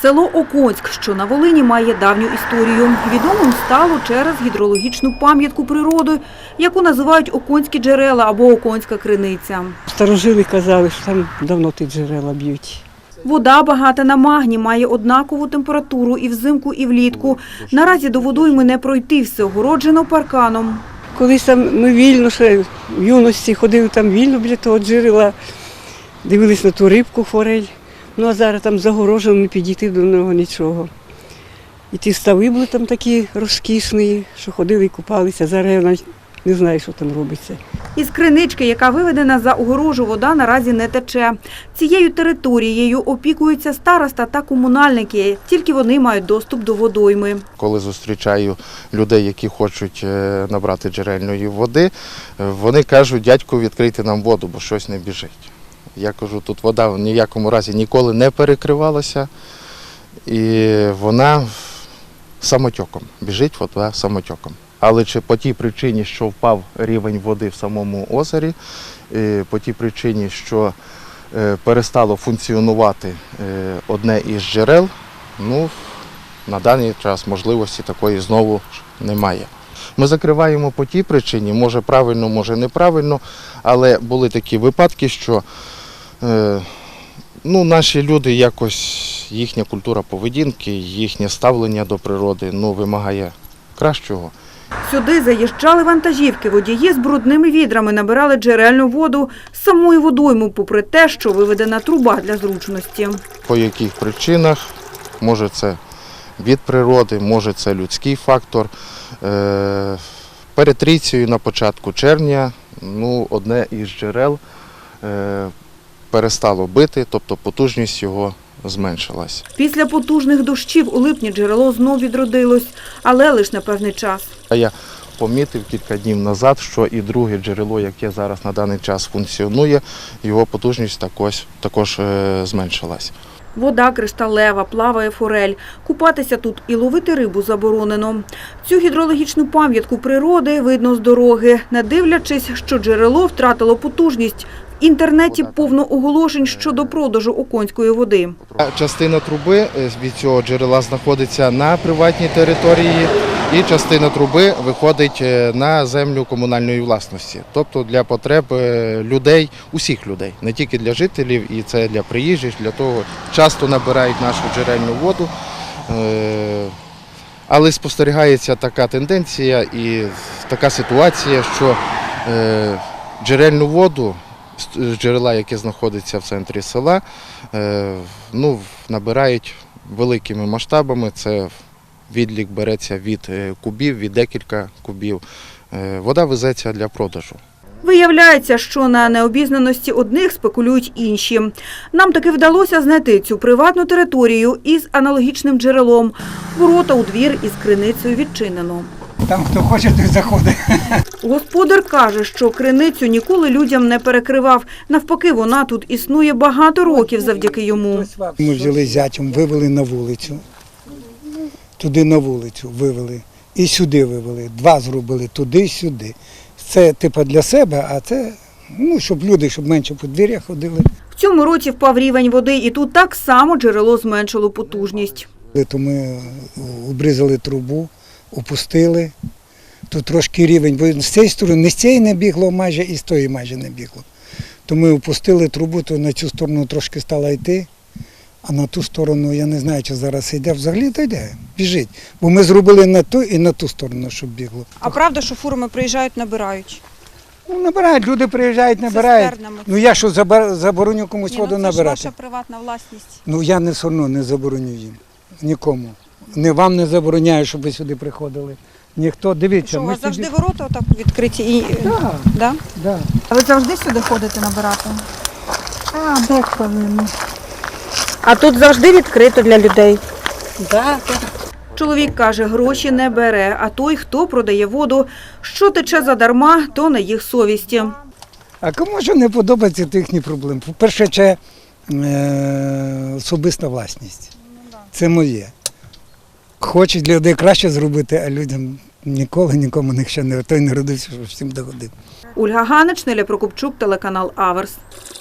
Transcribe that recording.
Село Оконськ, що на Волині, має давню історію. Відомим стало через гідрологічну пам'ятку природи, яку називають Оконські джерела або Оконська криниця. Старожили казали, що там давно ті джерела б'ють. Вода багата на магній, має однакову температуру і взимку, і влітку. Наразі до водойми не пройти, все огороджено парканом. Колись там ми вільно, ще в юності ходили там вільно біля того джерела, дивились на ту рибку, форель. Ну а зараз там загорожено, не підійти до нього нічого. І ті стави були там такі розкішні, що ходили і купалися. Зараз я навіть не знаю, що там робиться. Із кринички, яка виведена за огорожу, вода наразі не тече. Цією територією опікуються староста та комунальники. Тільки вони мають доступ до водойми. Коли зустрічаю людей, які хочуть набрати джерельної води, вони кажуть: дядьку, відкрийте нам воду, бо щось не біжить. Я кажу, тут вода в ніякому разі ніколи не перекривалася, і вона самотьоком, біжить вода самотьоком. Але чи по тій причині, що впав рівень води в самому озері, по тій причині, що перестало функціонувати одне із джерел, ну, на даний час можливості такої знову немає. Ми закриваємо по тій причині, може правильно, може неправильно, але були такі випадки, що наші люди якось, їхня культура поведінки, їхнє ставлення до природи вимагає кращого. Сюди заїжджали вантажівки, водії з брудними відрами набирали джерельну воду з самої водойми, попри те, що виведена труба для зручності. По яких причинах, може це від природи, може це людський фактор. Перед трійцею на початку червня одне із джерел перестало бити, тобто потужність його зменшилась. Після потужних дощів у липні джерело знов відродилось, але лише на певний час. Я помітив кілька днів назад, що і друге джерело, яке зараз на даний час функціонує, його потужність також зменшилась. Вода кришталева, плаває форель. Купатися тут і ловити рибу заборонено. Цю гідрологічну пам'ятку природи видно з дороги, не дивлячись, що джерело втратило потужність. В інтернеті повно оголошень щодо продажу оконської води. Частина труби від цього джерела знаходиться на приватній території, і частина труби виходить на землю комунальної власності. Тобто для потреб людей, усіх людей, не тільки для жителів, і це для приїжджих, для того часто набирають нашу джерельну воду. Але спостерігається така тенденція і така ситуація, що джерельну воду з джерела, яке знаходиться в центрі села, набирають великими масштабами. Це відлік береться від кубів, від декілька кубів. Вода везеться для продажу. Виявляється, що на необізнаності одних спекулюють інші. Нам таки вдалося знайти цю приватну територію із аналогічним джерелом. Ворота у двір із криницею відчинено. Там хто хоче, той заходить. Господар каже, що криницю ніколи людям не перекривав. Навпаки, вона тут існує багато років завдяки йому. Ми взяли зятям, вивели на вулицю. Туди на вулицю вивели. І сюди вивели. Два зробили, туди і сюди. Це типу для себе, а це, щоб люди, щоб менше по двір'ях ходили. В цьому році впав рівень води, і тут так само джерело зменшило потужність. То ми обрізали трубу, опустили. Тут трошки рівень, бо з цієї сторони, не з цієї не бігло майже, і з тої майже не бігло. То ми опустили трубу, то на цю сторону трошки стала йти, а на ту сторону, я не знаю, чи зараз йде, взагалі то йде, біжить. Бо ми зробили на ту і на ту сторону, щоб бігло. А правда, що фурами приїжджають, набирають? Набирають, люди приїжджають, набирають. Цистернами. Я що, забороню комусь воду набирати? Це ж ваша приватна власність. Я все одно не забороню їм, нікому. Не вам не забороняю, щоб ви сюди приходили. Ніхто, дивіться. Що, у вас завжди ворота отак відкриті? Так. Да? А ви завжди сюди ходите набирати? Деколи. А тут завжди відкрито для людей. Так. Чоловік каже, гроші не бере, а той, хто продає воду, що тече задарма, то на їх совісті. А кому що не подобається, то їхні проблеми. По-перше, це особиста власність. Це моє. Хочуть для людей краще зробити, а людям нікому ніхто не родився, щоб всім догодив. Ольга Ганич, Неля Прокопчук, телеканал Аверс.